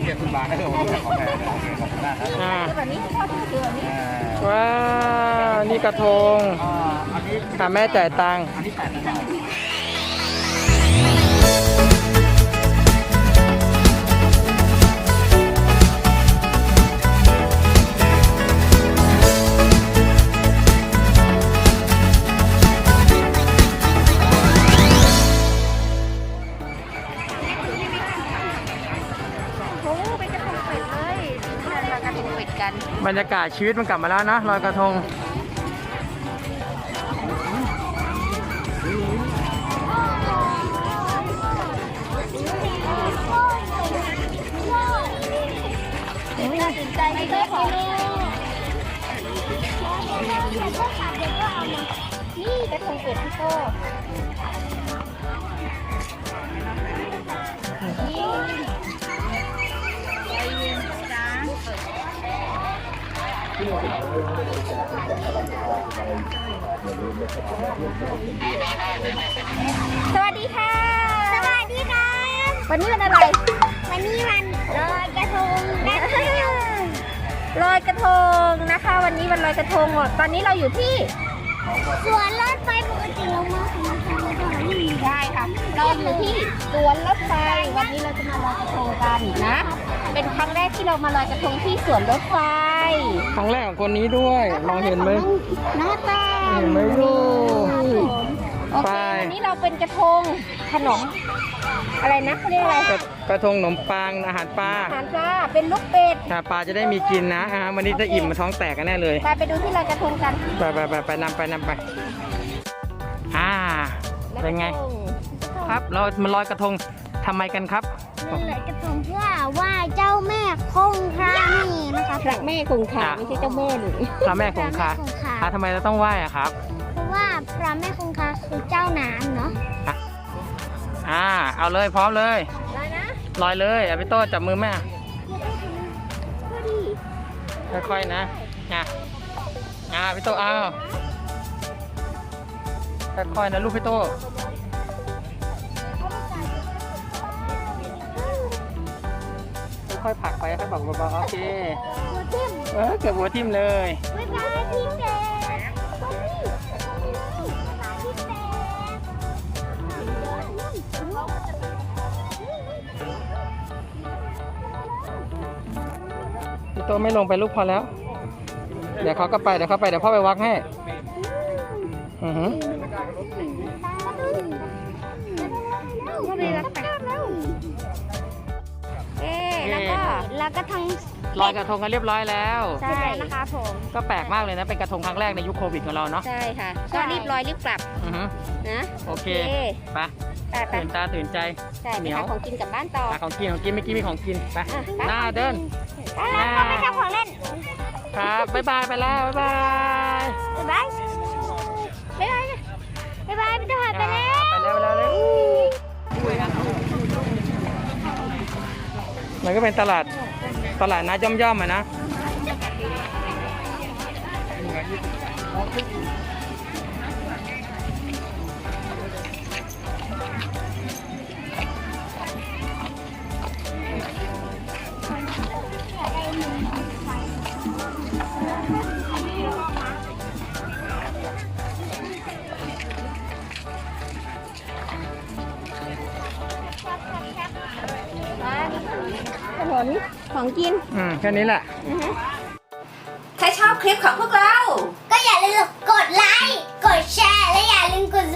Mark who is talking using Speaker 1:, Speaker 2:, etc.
Speaker 1: เก็บคุณบาทได้เลยผมจะขอแทนขอบคุณมากครับ
Speaker 2: แบบนี้ทอดคือแบบนี้
Speaker 3: ว้าวนี่กระทง
Speaker 1: อันนี้
Speaker 3: ค่ะแม่จ่ายตังค์
Speaker 1: อันนี้8 บาท
Speaker 2: โอ้เป็นกระทงเป็ดเลยเรากระทงเป็ดกัน
Speaker 3: บรรยากาศชีวิตมันกลับมาแล้วนะลอยกระทง
Speaker 2: น่าสนใจไม่ได้ของนี่กระทงเป็ดพี่โก้นี่ใจเย็นจ้าสวัสดีค่ะ
Speaker 4: สวัสดีครับ
Speaker 2: วันนี้วันอะไร
Speaker 4: วันนี้วันลอยกระทงนะคะ
Speaker 2: ลอยกระทงนะคะ วันนี้วันลอยกระทงตอนนี้เราอยู่ที่
Speaker 4: สวนรถไฟปกติเรามาถึงทางตรงนี้
Speaker 2: ได้ค่ะ เราอยู่ที่สวนรถไฟ วันนี้เราจะมาลอยกระทงกันนะ เป็นครั้งแรกที่เรามาลอยกระทงที่สวนรถไฟ
Speaker 3: ครั้งแรกของคนนี้ด้วยมองเห็นไหม
Speaker 2: หน้าตา
Speaker 3: เห็นไหมลูก
Speaker 2: โอเค
Speaker 3: ไป
Speaker 2: วันนี้เราเป็นกระทงขนม อะไรนะเขาเรียกอะไร
Speaker 3: กระทงขนมปังอาหารปลา
Speaker 2: อาหารปลาเป็นลูกเป็ด
Speaker 3: ปลาจะได้มีกินนะวันนี้จะอิ่มมาท้องแตกกันแน่เลย
Speaker 2: ไปดูที่ลอยกระทงกัน
Speaker 3: ไปนำไปเป็นไง ครับเรามาลอยกระทงทำไมกันครับ
Speaker 4: ลอยกระทงเพื่อไหว้เจ้าแม่คงคานี่นะคะ
Speaker 2: พระแม่คงคาไม่ใช่เจ้าแม่หรือ
Speaker 3: พระแม่คงคา
Speaker 4: พระแม่คงคา
Speaker 3: ทำไมเราต้องไหว้อะครับ
Speaker 4: เพราะว่าพระแม่คงคาคือเจ้าน้ำเนาะ
Speaker 3: เอาเลยพร้อมเลย
Speaker 2: ได้นะ
Speaker 3: ลอยเลยเอาพี่โต้จับมือแม่
Speaker 2: พอดี
Speaker 3: ค่อยๆนะพี่โต้เอาค่อยๆนะลูกพี่โต้ค่อยๆผลักไปค่อยๆผลักเบาๆโอเค
Speaker 4: หัวทิ่ม
Speaker 3: เกือบหัวทิ่มเลย
Speaker 4: บ๊ายบายพี่เป็ด
Speaker 3: พี่โต้ไม่ลงไปลูกพอแล้ว เดี๋ยวเขาก็ไปเดี๋ยวพ่อไปวักให้อือหือ
Speaker 2: ก็เลยรักแต่แล้วก็
Speaker 4: แล้วก็ทั้ง
Speaker 3: ลอยกระทงกันเรียบร้อยแล้ว
Speaker 2: ใช่นะคะผม
Speaker 3: ก็แปลกมากเลยนะเป็นกระทงครั้งแรกในยุคโควิดของเราเนาะ
Speaker 2: ใช่ค่ะ ก็รีบลอยรีบกลับ
Speaker 3: อือหือ
Speaker 2: นะ
Speaker 3: โอเค
Speaker 2: โอเค
Speaker 3: ไป
Speaker 2: ไป
Speaker 3: ตื่นตาตื่นใจ
Speaker 2: ใช่
Speaker 3: เห
Speaker 2: ไป
Speaker 3: นียว
Speaker 2: หาของกินกลับบ้านต่อ
Speaker 3: หาของกินเมื่อกี้มีของกินไป
Speaker 2: อ่ะไป
Speaker 3: หน้าเดิน
Speaker 4: แล้วก็ไม่ทำของเล่น
Speaker 3: ครับบ๊ายบายไปแล้วบ๊ายบาย
Speaker 4: บ๊ายบายบ๊ายบายบ๊ายบายพี่จะหายไปแล้ว
Speaker 3: ไปแล้วเลยมันก็เป็นตลาดนัดย่อมๆอ่ะนะ
Speaker 2: ถนนของกิน
Speaker 3: แค่นี้แหละ
Speaker 2: ถ้าชอบคลิปของพวกเรา
Speaker 4: ก็อย่าลืมกดไลค์ กดแชร์ และอย่าลืมกด